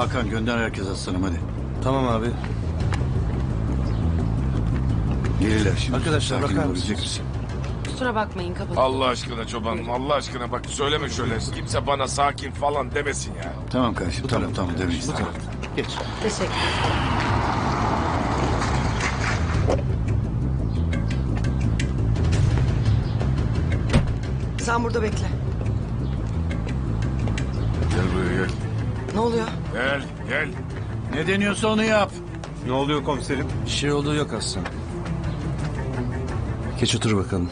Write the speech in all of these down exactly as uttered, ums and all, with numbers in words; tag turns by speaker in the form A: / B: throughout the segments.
A: Hakan gönder herkes aslanım hadi.
B: Tamam abi.
A: Gelirler şimdi.
B: Arkadaşlar,
A: Sakin
B: bakar
A: olabilecek
B: mısınız?
A: misin?
C: Kusura bakmayın kapatın.
D: Allah aşkına çobanım, Allah aşkına bak söyleme şöyle. Kimse bana sakin falan demesin ya.
A: Tamam kardeşim tamam tamam demeyiz.
B: Bu tarafta. Geç.
C: Teşekkür.
E: Sen burada bekle.
D: Gel buraya gel.
E: Ne oluyor?
D: Gel, gel.
A: Ne deniyorsa onu yap.
B: Ne oluyor komiserim? Bir şey olduğu yok aslında. Geç otur bakalım.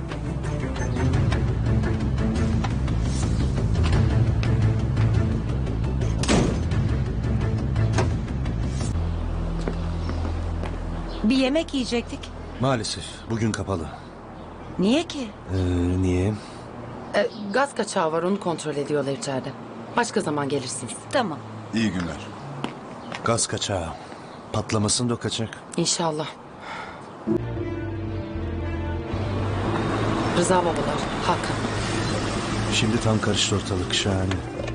F: Bir yemek yiyecektik.
B: Maalesef bugün kapalı.
F: Niye ki?
B: Ee, niye?
C: Ee, gaz kaçağı var, onu kontrol ediyorlar içeride. Başka zaman gelirsiniz.
F: Tamam.
A: İyi günler.
B: Gaz kaçağı. Patlamasın da o kaçak.
C: İnşallah. Rıza babalar, Hakan.
B: Şimdi tam karıştı ortalık, şahane.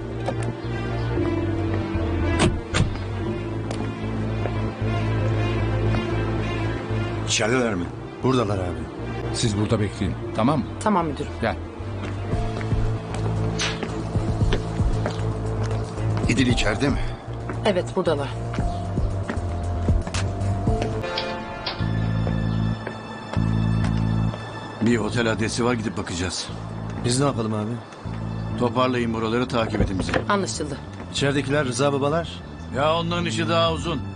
A: İçerideler mi?
B: Buradalar abi.
G: Siz burada bekleyin. Tamam mı?
C: Tamam müdürüm.
G: Gel.
A: İdil içeride mi?
C: Evet buradalar.
A: Bir otel adresi var gidip bakacağız.
B: Biz ne yapalım abi?
A: Toparlayın buraları takip edin bizi.
C: Anlaşıldı.
B: İçeridekiler Rıza babalar.
A: Ya onların işi daha uzun.